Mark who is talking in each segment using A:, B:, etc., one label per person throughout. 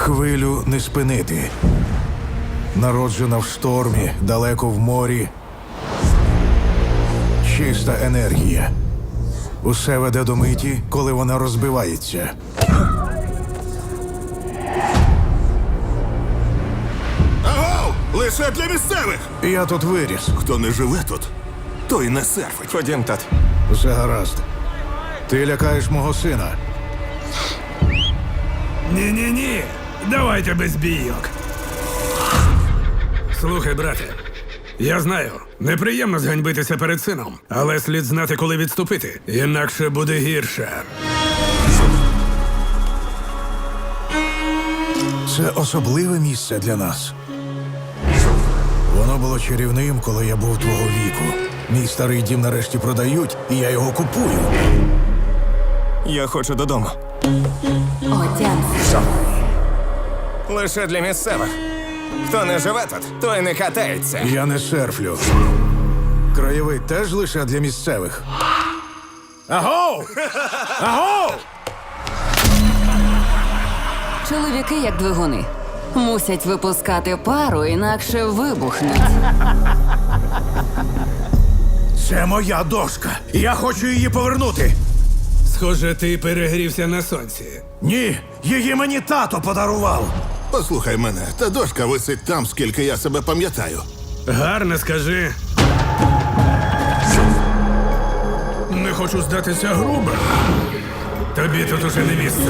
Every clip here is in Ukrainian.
A: Хвилю не спинити. Народжена в штормі, далеко в морі. Чиста енергія. Усе веде до миті, коли вона розбивається.
B: Агов! Лише для місцевих!
A: Я тут виріс.
B: Хто не живе тут, той не серфить.
C: Ходім, тат.
A: Все гаразд. Ти лякаєш мого сина.
D: Ні-ні-ні. Давайте без бійок. Слухай, брате. Я знаю, неприємно зганьбитися перед сином, але слід знати, коли відступити. Інакше буде гірше.
A: Це особливе місце для нас. Воно було чарівним, коли я був твого віку. Мій старий дім нарешті продають, і я його купую.
C: Я хочу додому.
E: Отямся.
C: Лише для місцевих. Хто не живе тут, той не катається.
A: Я не серфлю. Краєвид теж лише для місцевих. Агов! Агов!
E: Чоловіки, як двигуни, мусять випускати пару, інакше вибухнуть.
A: Це моя дошка. Я хочу її повернути.
D: Схоже, ти перегрівся на сонці.
A: Ні, її мені тато подарував.
B: Послухай мене, та дошка висить там, скільки я себе пам'ятаю.
D: Гарно скажи. Не хочу здатися грубо. Тобі тут уже не місце.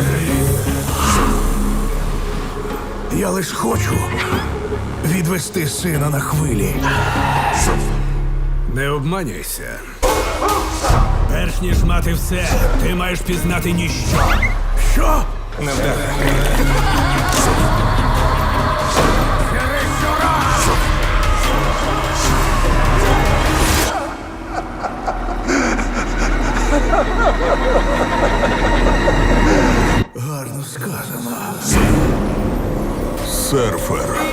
A: Я лиш хочу відвести сина на хвилі.
D: Не обманюйся. Перш ніж мати все, ти маєш пізнати ніщо.
A: Що?
C: Невдахи.
A: Гарно сказано.
B: Серфер.